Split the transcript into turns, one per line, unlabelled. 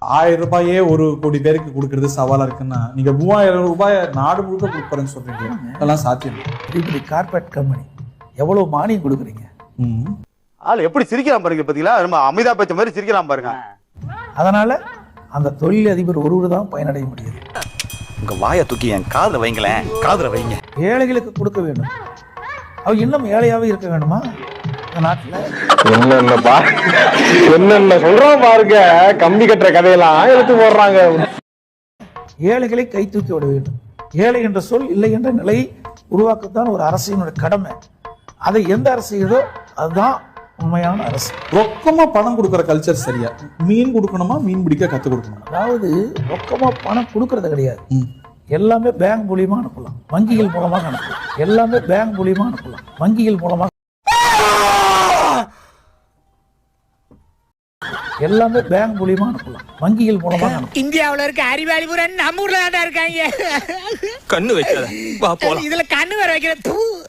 1000 ரூபாயே 1 கோடி பேருக்கு கொடுக்கறது சவாலா இருக்குன்னா நீங்க 3000 ரூபாய் நாடு முழுக்க கொடுப்பறேன்னு சொல்றீங்க, அதெல்லாம் சாத்தியம்?
இப்படி கார்பரேட் கம்பெனி எவ்வளவு மானியம் கொடுக்குறீங்க?
ஆள் எப்படி சிரிக்கலாம் பாருங்க, பாத்தீங்களா? நம்ம அமிதாப் பச்சன் மாதிரி சிரிக்கலாம் பாருங்க.
அதனால அந்த தொழில் அதிபர் ஒருவர் தான் பயனடைய முடியுது.
உங்க வாயை தூக்கி என் காதுல வைங்களேன், காதுல வைங்க.
ஏழைகளுக்கு கொடுக்க வேண்டும். அவ இன்னும் ஏழையாவே இருக்க வேண்டுமா இந்த நாட்டுல?
என்னென்ன சொல்றோம் பாருங்க, கம்பி கட்டுற கதையெல்லாம் எடுத்து போடுறாங்க.
ஏழைகளை கை தூக்கி விட வேண்டும். ஏழை என்ற சொல் இல்லை என்ற நிலையை உருவாக்கத்தான் ஒரு அரசினுடைய கடமை. அதை எந்த அரசு செய்யுதோ அதுதான் உண்மையான அரசு.
ரொக்கமா பணம் கொடுக்கற கல்ச்சர் சரியா? மீன் கொடுக்கணுமா, மீன் பிடிக்க கத்து கொடுக்கணுமா?
அதாவது ரொக்கமா பணம் கொடுக்கறது கிடையாது. எல்லாமே பேங்க் மூலியமா அனுப்பலாம், வங்கிகள் மூலமாக அனுப்பலாம். எல்லாமே பேங்க் மூலியமா அனுப்பலாம், வங்கிகள் மூலமாக. எல்லாமே பேங்க் மூலியமா அனுப்பலாம், வங்கிகள் மூலமாக அனுப்பலாம்.
இந்தியாவுல இருக்க அறிவாளி பூரா நம்ம ஊர்ல தான் இருக்காங்க.
கண்ணு வைக்காத, வா போலாம்.
இதுல கண்ணு வர வைக்கிற